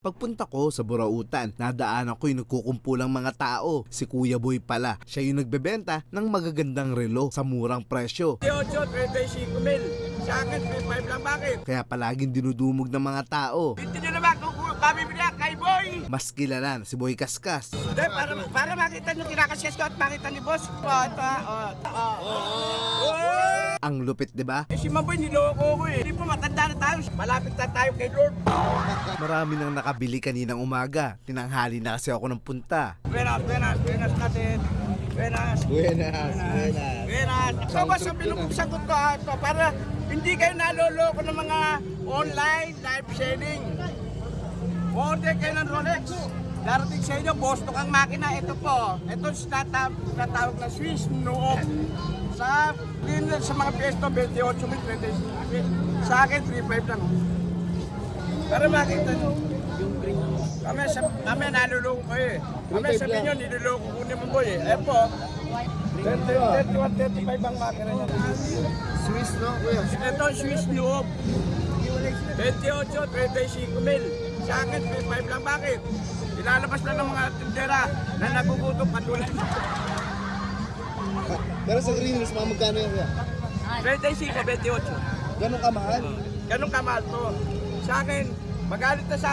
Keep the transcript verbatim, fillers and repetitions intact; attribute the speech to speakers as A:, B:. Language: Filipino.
A: Pagpunta ko sa Burautan, nadaanan ko yung nagkukumpulang mga tao. Si Kuya Boy pala, siya yung nagbebenta ng magagandang relo sa murang presyo.
B: eighty-eight, thirty-five mil. Sa akin, thirty-five lang, bakit?
A: Kaya palaging dinudumog ng mga tao.
B: Hindi nyo naman kung kami bila kay Boy.
A: Mas kilala na si Boy Kaskas.
B: Hindi, para, para makita nyo kinakasyas ko at makita ni Boss. Oh, ito, oh, oh, oh.
A: Ang lupit, di ba?
B: Eh, si Maboy, niloko ko eh. Hindi po matanda na tayo. Malapit na tayo kay Lord.
A: Marami nang nakabili kaninang umaga. Tinanghali na kasi ako ng punta.
B: Buenas, buenas, buenas natin. Buenas.
C: Buenas, buenas.
B: Buenas. So, ba sabihin kong sagot ko ha, ito, para hindi kayo naloloko ng mga online live selling. Order kayo ng Rolex. Darating sa inyo, Boston ang makina. Ito po. Ito sinatawag, sinatawag na Swiss Noob. Sa, din, sa mga pwesto, twenty-eight mil, twenty-six mil. Sa akin, thirty-five lang. Para makita nyo. Kami, sa, kami naluloko ko eh. Kami sabihin nyo, niluloko ko ni Maboy eh. Ayan po. thirty-one, thirty-five ang makina niya.
C: Swiss, no? Kuya?
B: Ito ang Swiss Noob. twenty-eight, thirty-five mil. Sa akin, thirty-five lang. Bakit? Ilalabas na ng mga tindera na nagugutom katulad.
C: Pero sa green hills, mga magkano yan, kuya?
B: thirty-five, twenty-eight.
C: Ganun kamahal?
B: Ganun kamahal to. Sa akin, magalit na sa